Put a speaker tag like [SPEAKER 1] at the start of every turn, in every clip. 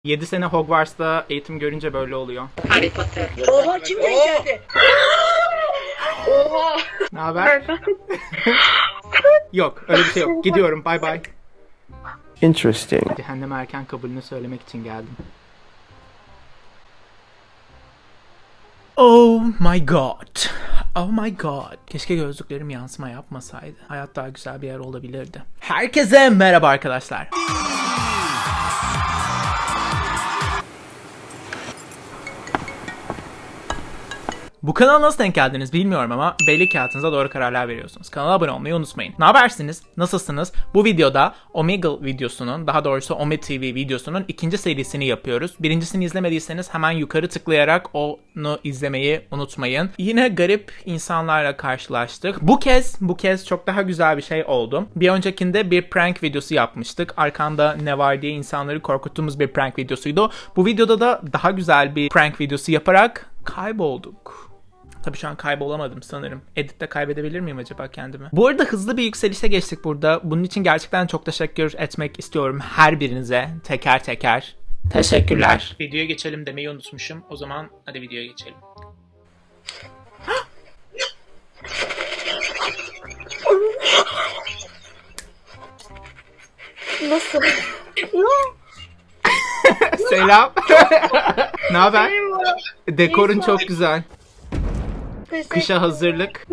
[SPEAKER 1] 7 sene Hogwarts'ta eğitim görünce böyle oluyor.
[SPEAKER 2] Harry Potter.
[SPEAKER 3] Oha kim geldi?
[SPEAKER 2] Oha.
[SPEAKER 1] Ne haber? Yok, öyle bir şey yok. Gidiyorum. Bye bye.
[SPEAKER 4] Interesting.
[SPEAKER 1] Cehenneme erken kabulünü söylemek için geldim. Oh my god. Oh my god. Keşke gözlüklerim yansıma yapmasaydı. Hayat daha güzel bir yer olabilirdi. Herkese merhaba arkadaşlar. Bu kanala nasıl denk geldiniz bilmiyorum ama belli ki hayatınızda doğru kararlar veriyorsunuz. Kanala abone olmayı unutmayın. Ne habersiniz? Nasılsınız? Bu videoda Omegle videosunun, daha doğrusu Ome TV videosunun ikinci serisini yapıyoruz. Birincisini izlemediyseniz hemen yukarı tıklayarak onu izlemeyi unutmayın. Yine garip insanlarla karşılaştık. Bu kez çok daha güzel bir şey oldu. Bir öncekinde bir prank videosu yapmıştık. Arkanda ne var diye insanları korkuttuğumuz bir prank videosuydu. Bu videoda da daha güzel bir prank videosu yaparak kaybolduk. Tabii şu an kaybolamadım sanırım. Editte kaybedebilir miyim acaba kendimi? Bu arada hızlı bir yükselişe geçtik burada. Bunun için gerçekten çok teşekkür etmek istiyorum her birinize. Teker teker. Teşekkürler. Videoya geçelim demeyi unutmuşum. O zaman hadi videoya geçelim.
[SPEAKER 2] Nasıl?
[SPEAKER 1] Selam. Ne haber? Dekorun çok güzel. Kışa hazırlık.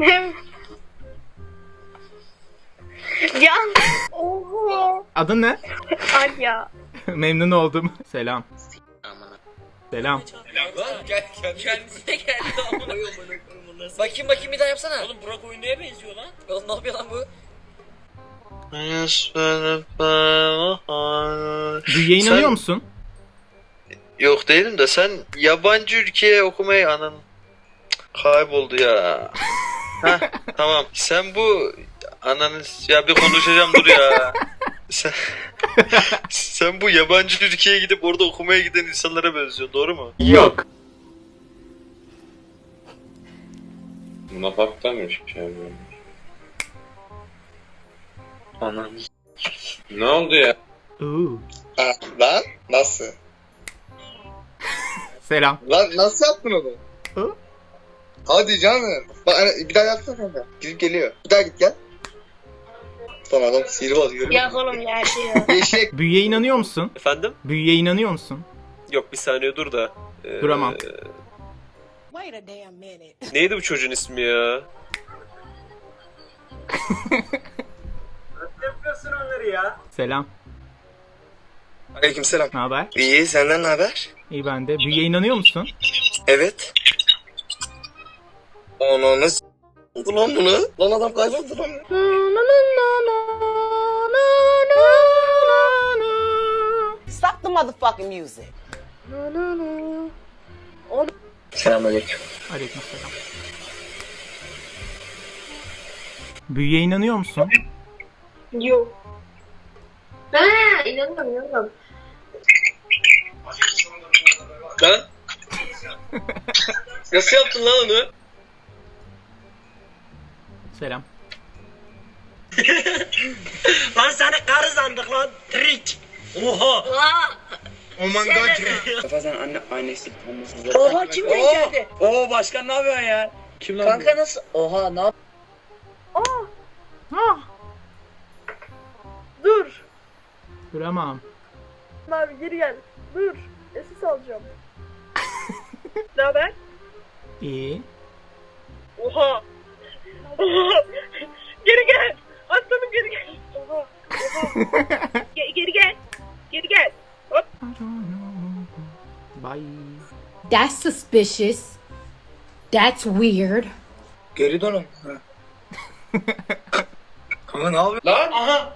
[SPEAKER 2] Can. Oha.
[SPEAKER 1] Adın ne?
[SPEAKER 2] Alya.
[SPEAKER 1] Memnun oldum. Selam. Selam.
[SPEAKER 5] Lan kendisine geldi bakayım bir daha yapsana. Oğlum Burak oyuncuya benziyor lan. Oğlum ne yapıyor lan bu?
[SPEAKER 1] Büyüye inanıyor musun?
[SPEAKER 4] Yok değilim de sen yabancı ülkeye okumayı kayboldu ya. Heh, tamam. Sen bu ya bir konuşacağım dur ya. Sen bu yabancı ülkeye gidip orada okumaya giden insanlara benziyorsun, doğru mu?
[SPEAKER 1] Yok.
[SPEAKER 6] Napaktanmış yani.
[SPEAKER 4] Anam.
[SPEAKER 6] Ne oldu ya?
[SPEAKER 7] Lan nasıl?
[SPEAKER 1] Selam.
[SPEAKER 7] Lan nasıl yaptın onu?
[SPEAKER 1] Hı?
[SPEAKER 7] Hadi canım. Bak bir daha yapsana kanka. Gidip geliyor. Bir daha git gel. Son adam sihirbaz görüyor
[SPEAKER 2] Ya
[SPEAKER 7] musun?
[SPEAKER 2] oğlum ya şey ya.
[SPEAKER 7] Eşek.
[SPEAKER 1] Büyüye inanıyor musun?
[SPEAKER 8] Efendim?
[SPEAKER 1] Büyüye inanıyor musun?
[SPEAKER 8] Yok bir saniye dur da.
[SPEAKER 1] Duramam.
[SPEAKER 8] Neydi bu çocuğun ismi ya?
[SPEAKER 1] Selam.
[SPEAKER 7] Aleykümselam.
[SPEAKER 1] Ne haber?
[SPEAKER 7] İyi, senden ne haber?
[SPEAKER 1] İyi ben de. Büyüye inanıyor musun?
[SPEAKER 7] Evet. Onu nasıl oldu lan bunu? Lan adam kayboldu lan.
[SPEAKER 3] Stop the motherfucking music.
[SPEAKER 7] Selamünaleyküm.
[SPEAKER 1] Aleykümselam. Büyüye inanıyor musun?
[SPEAKER 2] Yok. İnanıyorum.
[SPEAKER 5] Lan? Nasıl yaptın lan onu?
[SPEAKER 1] Selam.
[SPEAKER 5] Lan seni karı sandık lan. Trik. Oha.
[SPEAKER 7] Aman god.
[SPEAKER 5] Kafa sen annesi olmasın.
[SPEAKER 3] Oha kim geldi?
[SPEAKER 5] Oo başkan ne yapıyorsun ya? Kim lan
[SPEAKER 3] Kanka nasıl? Oha ne yap?
[SPEAKER 9] Dur.
[SPEAKER 1] Duramam.
[SPEAKER 9] Abi geri gel. Dur. Esis alacağım. Ne haber?
[SPEAKER 1] İyi.
[SPEAKER 9] Oha. Oha. Geri gel. Aslanım geri gel. Oha. Oha. Geri gel. Geri gel. Hop.
[SPEAKER 1] Bye.
[SPEAKER 10] That's suspicious. That's weird.
[SPEAKER 7] Geri dönün. Kanka ne yapıyorsun?
[SPEAKER 6] Lan! Aha!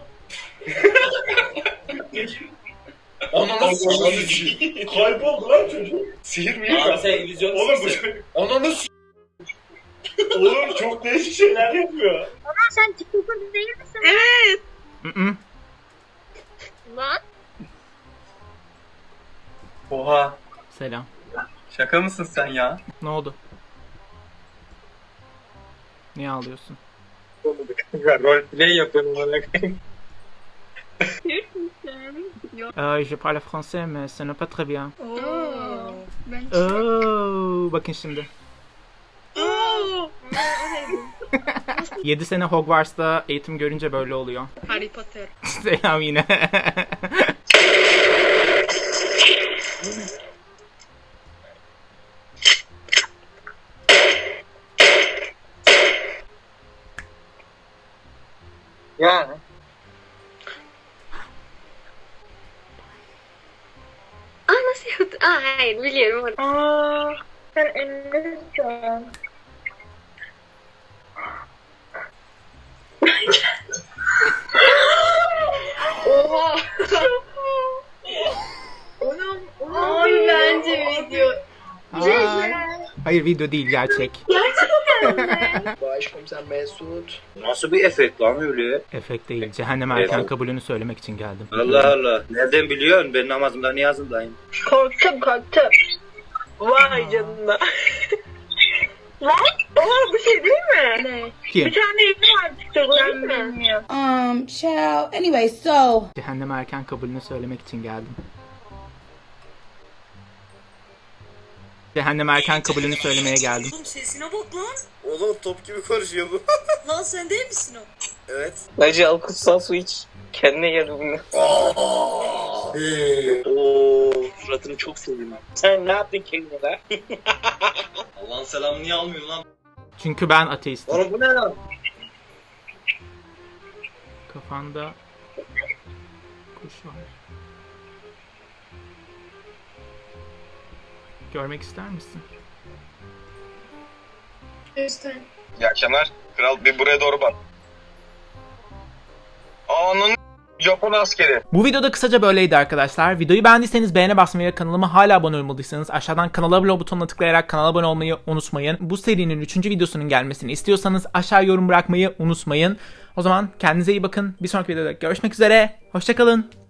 [SPEAKER 6] Ananı s***. Kayboldu lan çocuk. Sihir mi?
[SPEAKER 5] Abi sen illüzyon
[SPEAKER 6] Oğlum bu çocuk. Ananı s***. Oğlum çok değişik şeyler yapıyor.
[SPEAKER 2] Sen TikToker değil misin? Evet.
[SPEAKER 1] Mm-mm.
[SPEAKER 2] Lan.
[SPEAKER 11] Oha,
[SPEAKER 1] Selam.
[SPEAKER 11] şaka mısın sen ya?
[SPEAKER 1] Ne oldu? Niye ağlıyorsun?
[SPEAKER 11] Roleplay yapıyorum bana.
[SPEAKER 2] Türk müsün?
[SPEAKER 1] Je parle français mais ce n'est pas très bien.
[SPEAKER 2] Ben
[SPEAKER 1] Bakın şimdi. 7 sene Hogwarts'ta eğitim görünce böyle oluyor.
[SPEAKER 2] Harry Potter.
[SPEAKER 1] Selam yine.
[SPEAKER 7] Yani.
[SPEAKER 2] Nasıl yaptı? Hayır biliyorum. Sen elinde tutuyorsun. Oha. Abi bence video.
[SPEAKER 1] Hayır video değil gerçek.
[SPEAKER 3] Başkomiser Mesut.
[SPEAKER 8] Nasıl bir efekt lan öyle?
[SPEAKER 1] Efekt değil. Cehennem erken
[SPEAKER 8] Evet.
[SPEAKER 1] kabulünü söylemek için geldim.
[SPEAKER 8] Allah Allah. Nereden biliyorsun? Ben namazımda niyazımdayım.
[SPEAKER 9] Korktum. Vay canına. Lan? Oha bu şey değil mi?
[SPEAKER 2] Ne?
[SPEAKER 1] Kim?
[SPEAKER 9] Bir tane evli var TikTok'ta değil mi?
[SPEAKER 2] Bilmiyorum.
[SPEAKER 10] Child. Anyway, so.
[SPEAKER 1] Cehennem erken kabulünü söylemek için geldim. Cehennem erken kabulünü söylemeye geldim.
[SPEAKER 5] Oğlum sesine bak lan.
[SPEAKER 8] Oğlum top gibi konuşuyor bu.
[SPEAKER 5] Lan sen değil misin o?
[SPEAKER 8] Evet.
[SPEAKER 3] Bence al kutsal su iç. Kendine gel bugün.
[SPEAKER 8] Oo, suratını çok sevdim. Sen ne yaptın kendine?
[SPEAKER 6] Allah'ın selamını niye almıyor lan?
[SPEAKER 1] Çünkü ben ateistim.
[SPEAKER 8] Oğlum bu ne lan?
[SPEAKER 1] Kafanda kuş var. Görmek ister misin?
[SPEAKER 2] Lütfen.
[SPEAKER 7] İyi akşamlar. Kral bir buraya doğru bak. Anın Japon askeri.
[SPEAKER 1] Bu videoda kısaca böyleydi arkadaşlar. Videoyu beğendiyseniz beğene basmayı ve kanalıma hala abone olmadıysanız aşağıdan kanala abone ol butonuna tıklayarak kanala abone olmayı unutmayın. Bu serinin 3. videosunun gelmesini istiyorsanız aşağı yorum bırakmayı unutmayın. O zaman kendinize iyi bakın. Bir sonraki videoda görüşmek üzere. Hoşça kalın.